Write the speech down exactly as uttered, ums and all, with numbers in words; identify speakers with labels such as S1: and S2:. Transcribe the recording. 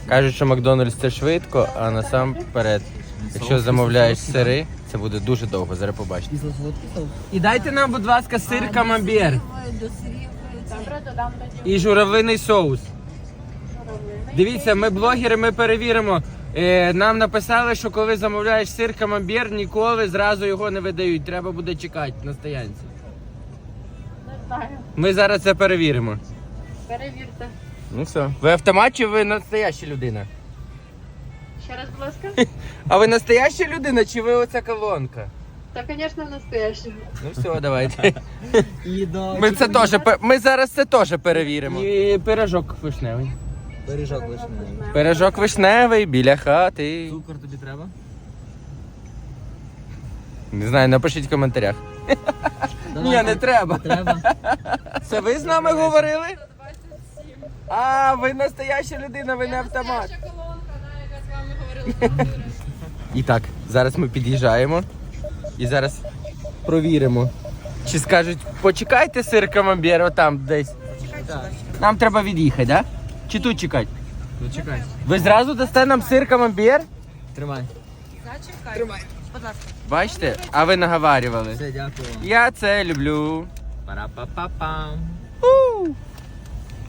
S1: Кажуть, що Макдональдс це швидко, а насамперед, якщо замовляєш сири, це буде дуже довго, зараз побачите. І дайте нам, будь ласка, сир камамбер. І журавлиний соус. Дивіться, ми блогери, ми перевіримо. Е, нам написали, що коли замовляєш сир камамбер, ніколи зразу його не видають. Треба буде чекати на стоянці.
S2: Не знаю.
S1: Ми зараз це перевіримо.
S2: Перевірте.
S1: Ну все. Ви автомат чи ви настояща людина?
S2: Ще раз, будь ласка.
S1: А ви настояща людина чи ви оця колонка?
S2: Та, звісно, настоящий.
S1: Ну все, давайте. Ми це теж, пе- ми зараз це теж перевіримо. І пирожок вишневий.
S3: Пиріжок вишневий.
S1: Пирожок вишневий біля хати.
S3: Цукор тобі треба?
S1: Не знаю, напишіть в коментарях. Ні, не треба.
S3: Треба.
S1: Це ви з нами говорили? А, ви настояща людина, ви не автомат.
S2: колонка, яка з вами говорила.
S1: І так, зараз ми під'їжджаємо і зараз провіримо. Чи скажуть, почекайте сир камамбер отам десь. Нам треба від'їхати, так? Да? Чи тут чекати?
S3: Ну чекай.
S1: Ви зразу дасте нам сир камамбер?
S3: Тримай.
S2: Тримай. Будь ласка.
S1: Бачите? А ви наговарювали.
S3: Все, дякую.
S1: Я це люблю.
S3: Пара-па-па-пам.
S1: У!